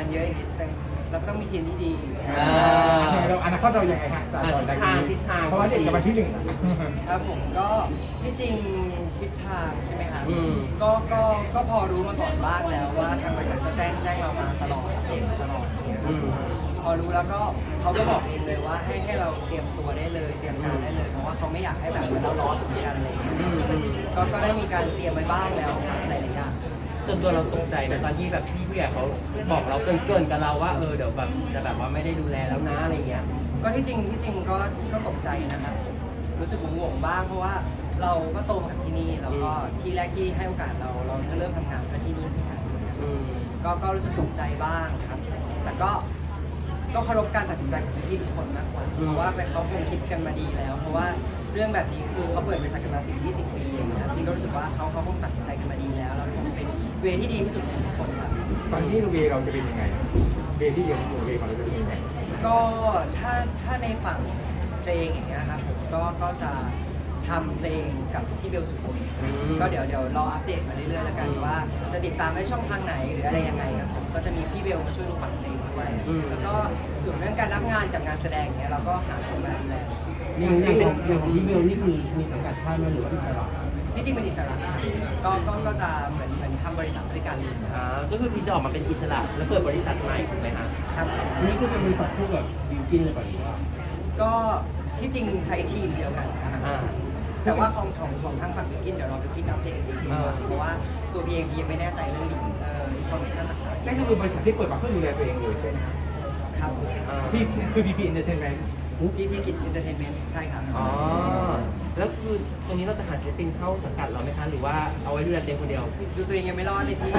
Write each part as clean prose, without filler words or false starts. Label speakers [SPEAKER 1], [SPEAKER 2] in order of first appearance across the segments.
[SPEAKER 1] านเยอะอย่างนี้แต่เราก็ต้องมีทีมที่ดี
[SPEAKER 2] เราอนาคตเรายังไงฮะจากตอนนี้เพราะว่าเด็กกับวันที่1
[SPEAKER 1] ครับผมก็ที่จริงทิศทางใช่ไหมครับก็พอรู้มาก่อนบ้างแล้วว่าทางบริษัทก็แจ้งเรามาตลอดเองตลอดเนี่ยครับพอรู้แล้วก็เขาก็บอกเองเลยว่าให้เราเตรียมตัวได้เลยเตรียมการได้เลยเพราะว่าเขาไม่อยากให้แบบเราล้อสุดกันอะไรอย่างเงี้ยก็ได้มีการเตรียมไว้บ้างแล้วครับหลายอย่าง
[SPEAKER 3] ส่วนตัวเราตกใจในตอนที่แบบพี่ผู้ใหญ่เขาบอกเราเกินกับเราว่าเดี๋ยวแบบจะแบบว่าไม่ได้ดูแลแล้วนะอะไรเงี้ย
[SPEAKER 1] ก็ที่จริงก็ตกใจนะครับรู้สึกงงบ้างเพราะว่าเราก็โตมากับที่นี่แล้วก็ที่แรกที่ให้โอกาสเราจะเริ่มทำงานก็ที่นี่เหมือนกันก็รู้สึกตกใจบ้างครับแต่ก็เคารพการตัดสินใจของพี่ทุกคนมากกว่าเพราะว่าเขาคงคิดกันมาดีแล้ว เพราะว่าเรื่องแบบนี้คือเขาเปิดบริษัทกันมา10-20 ปีนะครับพี่ก็รู้สึกว่าเขาคงตัดสินใจกันมาดีแล้วเราเป็นเวที่ดีที่สุดของทุกคนครับ
[SPEAKER 2] ตอนที่เวเราจะเป็นยังไงเวที่เดียวเวของเราจะเป็นยังไง
[SPEAKER 1] ก็ถ้าในฝั่งเพลงอย่างเงี้ยครับผมก็จะทำเพลงกับพี่เบลสุพลก็เดี๋ยวรออัปเดตมาเรื่อยๆแล้วกันว่าจะติดตามได้ช่องทางไหนหรืออะไรยังไงครับผมก็จะมีพี่เบลมาช่วยดูฝั่งเพลงด้วยแล้วก็ส่วนเรื่องการรับงานกับงานแสดงเนี้ยเราก็หาคนมาดูแล
[SPEAKER 4] อย่างของพี่เบลนี่มีสังกัดค่ายไหมหรือว่าอิสระ
[SPEAKER 1] ที่จริงเป็นอิสระก็จะเหมือนทำบริษัทด้วยกัน
[SPEAKER 3] ก็คือพี่จะออกมาเป็นอิสระแล้วเปิดบริษัทใหม่ถูกไหมฮะ
[SPEAKER 1] ครับ
[SPEAKER 4] อันนี้คือเป็นบริษัทพวกแบบบิวกินเลยป่ะหรือว่า
[SPEAKER 1] ก็ที่จริงใช้ทีมเดียวกันครับแต่ว่าของทางฝั่งบิวกินเดี๋ยวเราบิวกินอัปเดตเองดีกว่าเพราะว่าตัวพี่เองยังไม่แน่ใจเรื่องอินโฟอร์เมชั่นต่างๆ
[SPEAKER 2] นั่นก็คือบริษัทที่เปิดมาเพื่อดูแลตัวเองเลยใช่ไหม
[SPEAKER 1] ครับ
[SPEAKER 2] พี่คือ BP Entertainment
[SPEAKER 1] พี่กิจอินเตอร์เทนเมนต์ใช่ครับ
[SPEAKER 3] แล้วคือตรงนี้เราจะหาศิลปินเข้าสังกัดเราไหมคะหรือว่าเอาไว้ดูแลเต็มคนเดียว
[SPEAKER 1] ดูตัวเองยังไม่รอดเลยพี่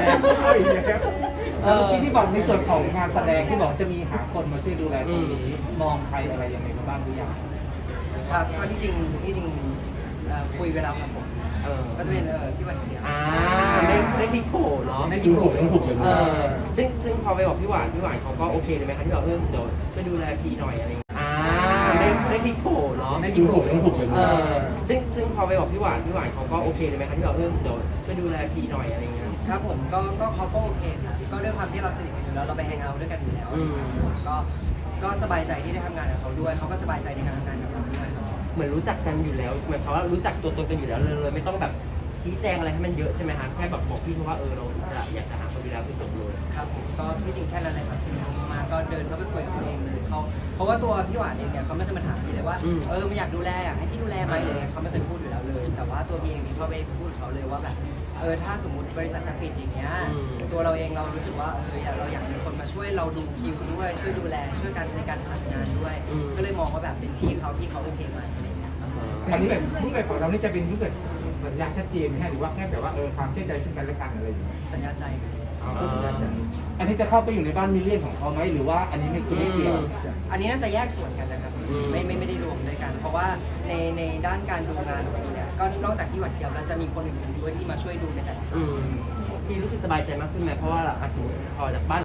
[SPEAKER 4] ที่บอกในส่วนของงานแสดงที่บอกจะมีหาคนมาช่วยดูแลตรงนี้มองใครอะไรยังไงบ้างหรือยัง
[SPEAKER 1] ครับก็ที่จริงคุยไปแล้วครับผมก็จะเป็นพี่วันเจีย
[SPEAKER 3] ได้ที่โผล่เนาะ
[SPEAKER 1] ได้ที่โผล่
[SPEAKER 3] ซึ่งพอไปบอกพี่หวานเขาก็โอเคเลยไหมคะที่บอกเดี๋ยวช่วยดูแลพี่หน่อยอะไรได้ที่โผล่เนาะ
[SPEAKER 1] ได้ที่โผล่
[SPEAKER 3] ซึ่งพอไปบอกพี่หวานเขาก็โอเคเลยไหมคะที่บอกเดี๋ยวช่วยดูแลพี่หน่อยอะไรเงี้ย
[SPEAKER 1] ครับผมก็เขาก็โอเคครับก็ด้วยความที่เราสนิทกันอยู่แล้วเราไปแฮงเอาท์ด้วยกันอยู่แล้วก็สบายใจที่ได้ทำงานกับเขาด้วยเขาก็สบายใจในการทำงานกับเราด้วย
[SPEAKER 3] เหมือนรู้จักกันอยู่แล้วเหมือนเขาว่ารู้จักตัวตนกันอยู่แล้วเลยไม่ต้องแบบชี้แจงอะไรให้มันเยอะใช่ไหมคะแค่แบบบอกพี่เขาว่าเราอยากจะหาคนดูแลคือจบเลย
[SPEAKER 1] ครับผมก็ที่จริงแค่นั้นเลยครับสิ่งที่มาก็เดินเข้าไปคุยกับตัวเองเลยเขาเพราะว่าตัวพี่หวานเองเนี่ยเขาไม่เคยมาถามพี่เลยว่าไม่อยากดูแลอยากให้พี่ดูแลไหมเลยเขาไม่เคยพูดอยู่แล้วเลยแต่ว่าตัวพี่เองเขาไปพูดเขาเลยว่าแบบถ้าสมมติบริษัทจะปิดอย่างเงี้ยตัวเราเองเรารู้สึกว่าเราอยากมีคนมาช่วยเราดูคิวด้วยช่วยดูแลช่วยกันในการผ่านงานด้วยก็เลยมองว่าแบบเป็นพี่เขาที่เขาโอเคไหม
[SPEAKER 2] อันนี้รูปแบบของเรานี่จะเป็นรูปแบบสัญญาชัดเจนไหมหรือว่าแค่แบบว่าความเชื่อใจซึ่งกันและกันอะไรอย่างเงี้ย
[SPEAKER 1] สัญญาใจ
[SPEAKER 4] อันนี้จะเข้าไปอยู่ในบ้านมิลเลียนของเขาไหมหรือว่าอันนี้ไม่เกี่ยว
[SPEAKER 1] อันนี้น่าจะแยกส่วนกันนะครับไม่ได้รวมด้วยกันเพราะว่าในด้านการดูงานของนี้เนี่ยก็นอกจากที่หวัดเจี๊ยบแล้วจะมีคนอื่นด้วยที่มาช่วยดูในแต่ละ
[SPEAKER 3] ที่รู้สึกสบายใจมากขึ้นไหมเพราะว่าพอจากบ้าน